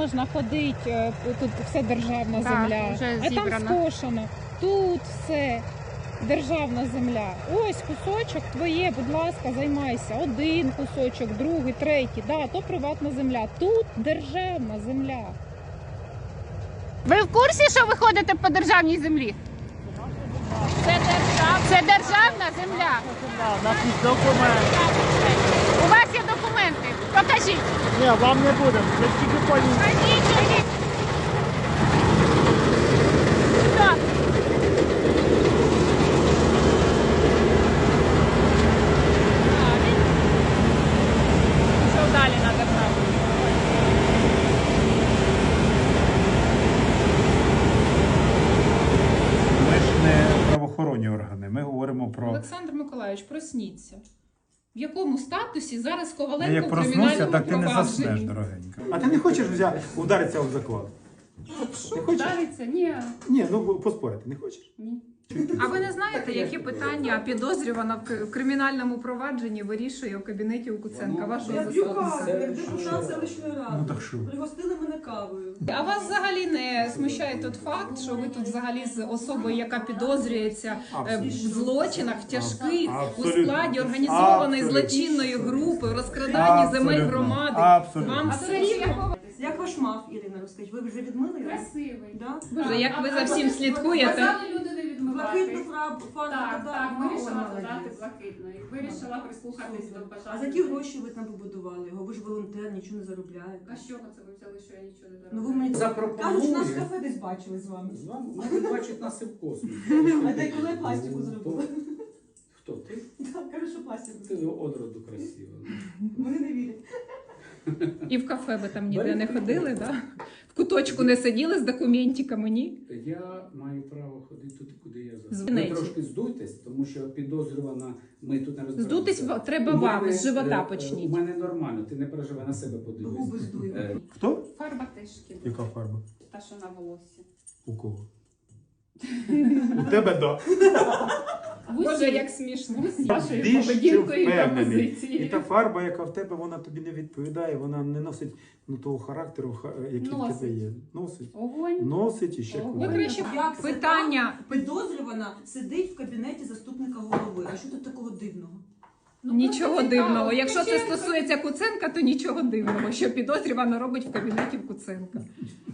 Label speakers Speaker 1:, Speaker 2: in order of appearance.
Speaker 1: можна ходити, тут все державна земля,
Speaker 2: вже
Speaker 1: а там
Speaker 2: зібрано.
Speaker 1: скошено, тут все державна земля. Ось кусочок твоє, будь ласка, займайся. Один кусочок, другий, третій. Да, то приватна земля, тут державна земля.
Speaker 2: Ви в курсі, що ви ходите по державній землі? Це державна земля.
Speaker 3: Наші документи.
Speaker 2: У вас є документи. Покажіть.
Speaker 3: Ні, вам не буде. Ви тільки поїдете.
Speaker 2: Покажіть. Стоп.
Speaker 1: Що далі на державу?
Speaker 4: Ми ж не правоохоронні органи, ми говоримо про...
Speaker 5: Олександр Миколайович, просніться. В якому статусі зараз Коваленко
Speaker 4: Як
Speaker 5: в
Speaker 4: проснуся,
Speaker 5: кримінальному
Speaker 4: так ти не заснеш,
Speaker 5: провадженні?
Speaker 4: дорогенька.
Speaker 6: А ти не хочеш ударитися об заклад?
Speaker 5: Що
Speaker 6: Не хочеш?
Speaker 5: вдариться? Ні.
Speaker 6: Ні, ну поспорити не хочеш?
Speaker 5: Ні.
Speaker 7: А ви не знаєте, які питання підозрювана в кримінальному провадженні вирішує у кабінеті у Куценка, вашого
Speaker 8: Я п'ю каву,
Speaker 7: заступника?
Speaker 8: як депутат селищної ради.
Speaker 4: Ну так що?
Speaker 8: Пригостили мене кавою.
Speaker 5: А вас взагалі не смущає той факт, що ви тут взагалі з особою, яка підозрюється в злочинах тяжких у
Speaker 4: Абсолютно.
Speaker 5: складі організованої
Speaker 4: Абсолютно.
Speaker 5: злочинної групи, в розкраданні земель
Speaker 4: Абсолютно.
Speaker 5: громади.
Speaker 4: Абсолютно.
Speaker 5: Вам все рівно?
Speaker 8: Як ваш мав, Ірина, розкажіть? Ви вже відмили його?
Speaker 9: Красивий.
Speaker 8: Да?
Speaker 5: Боже, як ви за всім слідкуєте.
Speaker 9: Казали люди не відмивати.
Speaker 8: Блакитну фарбу
Speaker 9: Так,
Speaker 8: додали?
Speaker 9: вирішила
Speaker 8: О,
Speaker 9: додати
Speaker 8: молодець.
Speaker 9: блакитної. Вирішила прислухатись до
Speaker 8: Супер.
Speaker 9: бажання.
Speaker 8: А за які гроші ви там побудували його? Ви ж волонтер, нічого не заробляєте.
Speaker 9: А з чого це ви взяли, що я нічого не
Speaker 8: Ну ви
Speaker 9: заробляю?
Speaker 8: мені
Speaker 10: Запропонує.
Speaker 8: кажуть, нас в кафе десь бачили з вами.
Speaker 10: Вони бачать нас і в космосі.
Speaker 8: А де коли пластику зробили?
Speaker 10: Хто ти?
Speaker 8: Так, кажу, що пластику
Speaker 10: Ти
Speaker 8: зробили.
Speaker 10: одроду красива.
Speaker 8: Вони не вірять.
Speaker 5: І в кафе ви там ніде не ходили, да? В куточку не сиділи з документиками, ні?
Speaker 10: Я маю право ходити туди, куди я захочу. Ви
Speaker 5: Звинеті.
Speaker 10: трошки здуйтесь, тому що підозрювана, ми тут не розбираємося.
Speaker 5: Здутись треба
Speaker 10: У
Speaker 5: вам,
Speaker 10: мене,
Speaker 5: з живота
Speaker 10: У
Speaker 5: почніть.
Speaker 10: мене нормально, ти не переживай, на себе
Speaker 8: Губи
Speaker 10: подивись.
Speaker 8: здуємо.
Speaker 4: Хто?
Speaker 9: Фарба теж кидає.
Speaker 4: Яка фарба?
Speaker 9: Та, що на волоссі.
Speaker 4: У кого?
Speaker 6: У тебе да.
Speaker 5: Боже, як смішно. З вашою
Speaker 6: Більш
Speaker 5: поведінкою і
Speaker 6: впевнений. І
Speaker 5: пропозицією.
Speaker 6: та фарба, яка в тебе, вона тобі не відповідає, вона не носить того характеру, який в тебе є. Носить.
Speaker 9: Огонь.
Speaker 6: Носить і ще
Speaker 9: Ого.
Speaker 6: куди.
Speaker 5: Ви краще
Speaker 8: Як це
Speaker 7: Питання.
Speaker 8: так? Підозрювана сидить в кабінеті заступника голови. А що тут такого дивного?
Speaker 5: Нічого
Speaker 9: просто
Speaker 5: дивного.
Speaker 9: цікаво.
Speaker 5: Якщо це
Speaker 9: Чесно.
Speaker 5: стосується Куценка, то нічого дивного, що підозрювана робить в кабінеті в Куценка.